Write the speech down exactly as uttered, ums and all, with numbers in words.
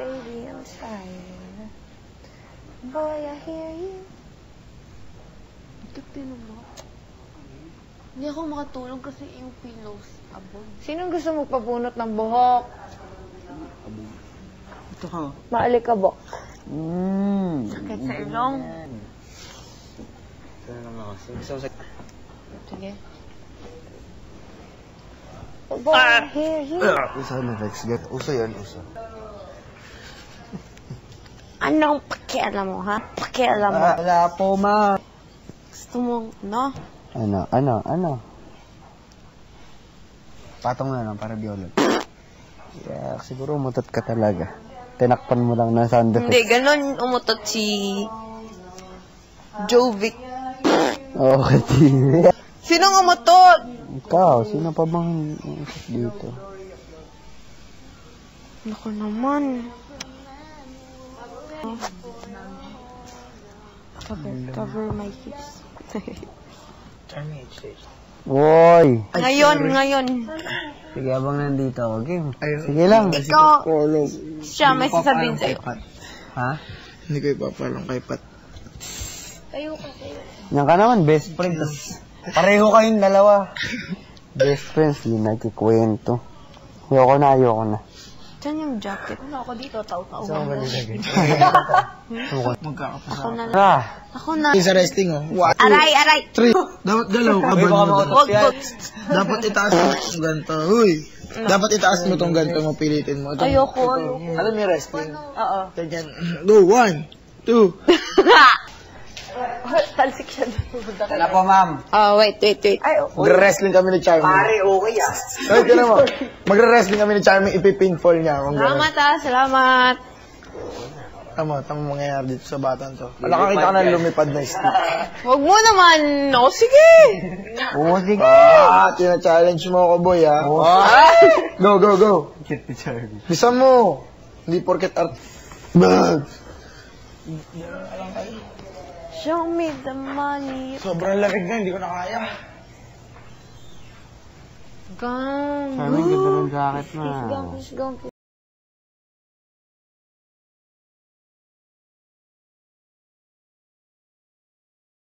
baby, I'm tired. Boy, I hear you. Ito, tinan mo. Hindi ako makatulog kasi yung pillows abog. Sinong gusto mo pabunot ng buhok? Ito ka. Maalikabok. Mmm. Sakit sa ilong. Ito naman kasi. Gusto ko sa... Sige. Boy, I hear you. Uso na, Rex. Uso yan, uso. Anong pakialam mo, ha? Pakialam mo. Ah, wala po, ma. Gusto mo, no? Ano, ano, ano? Patong na lang para biolog. Yeah, siguro umutot ka talaga. Tinakpan mo lang ng sound effects. Hindi, ganun umutot si Jovic. Okay, tiyo. Sinong umutot? Ikaw, sino pa bang umutot dito? Naku naman. Cover, cover my hips. Woy! Ngayon, ngayon. Sige, abang nandito ako. Game. Sige lang. Ikaw, siya, may sasabihin sa'yo. Ha? Hindi ko ipapalang kay Pat. Kayo kasi. Yan ka naman, best friend. Tas pareho kayong dalawa. Best friends, di nagkikwento. Ayoko na, ayoko na. Saan yung jacket? Ano ako dito? Tau-tau. Saan ba nilagay? Magkakapasa. Ako na lang. Tara! Ako na. Sa resting, oh. One, two, Aray, aray! three. Dapat galaw ka ba? Wag ko. Dapat itaas mo itong ganito. Huy! Dapat itaas mo itong ganito mo, pilitin mo. Itong, Ayoko, ayoko. alam niyo resting? Oo. Ganyan. Go, one, two. Talsik siya. Tala po, ma'am. Oh, wait, wait, wait. Ay, Magre-wrestling kami ni Charmy. Pare, okay ah. Ay, ka naman. Magre-wrestling kami ni Charmy, ipipinfall niya. Kung salamat ah, salamat. Tama, tama mangyayari dito sa batang to. Nakakita ka na lumipad na stick. Huwag mo naman. O, sige. Oo, sige. Ah, tina-challenge mo ako, boy, ha? Ah. Go, go, go. Cute ni Charlie. Bisa mo. Hindi porket art. Bag. Show me the money. Sobrang lamig na, hindi ko na kaya. Gang. Charlie, ganda ng jacket na. Gang, gang.